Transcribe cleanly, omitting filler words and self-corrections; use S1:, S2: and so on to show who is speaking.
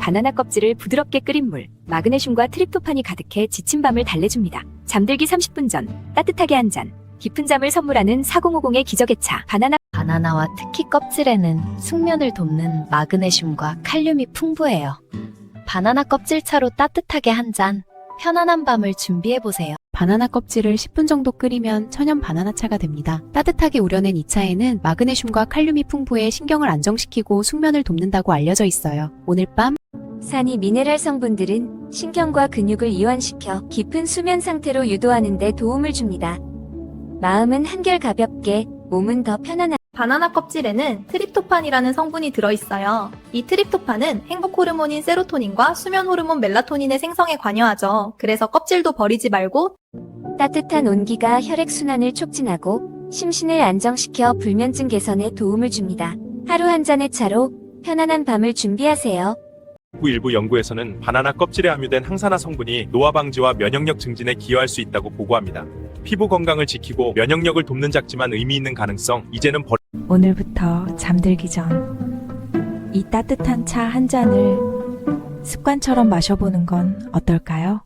S1: 바나나 껍질을 부드럽게 끓인 물, 마그네슘과 트립토판이 가득해 지친 밤을 달래줍니다. 잠들기 30분 전, 따뜻하게 한 잔. 깊은 잠을 선물하는 4050의 기적의 차.
S2: 바나나와 특히 껍질에는 숙면을 돕는 마그네슘과 칼륨이 풍부해요. 바나나 껍질차로 따뜻하게 한 잔, 편안한 밤을 준비해보세요.
S3: 바나나 껍질을 10분 정도 끓이면 천연 바나나차가 됩니다. 따뜻하게 우려낸 이 차에는 마그네슘과 칼륨이 풍부해 신경을 안정시키고 숙면을 돕는다고 알려져 있어요. 오늘 밤
S1: 산이 미네랄 성분들은 신경과 근육을 이완시켜 깊은 수면 상태로 유도하는 데 도움을 줍니다. 마음은 한결 가볍게, 몸은 더 편안한
S4: 바나나 껍질에는 트립토판이라는 성분이 들어있어요. 이 트립토판은 행복 호르몬인 세로토닌과 수면 호르몬 멜라토닌의 생성에 관여하죠. 그래서 껍질도 버리지 말고
S1: 따뜻한 온기가 혈액순환을 촉진하고 심신을 안정시켜 불면증 개선에 도움을 줍니다. 하루 한 잔의 차로 편안한 밤을 준비하세요.
S5: 일부 연구에서는 바나나 껍질에 함유된 항산화 성분이 노화 방지와 면역력 증진에 기여할 수 있다고 보고합니다. 피부 건강을 지키고 면역력을 돕는 작지만 의미 있는 가능성, 이제는
S6: 오늘부터 잠들기 전 이 따뜻한 차 한 잔을 습관처럼 마셔보는 건 어떨까요?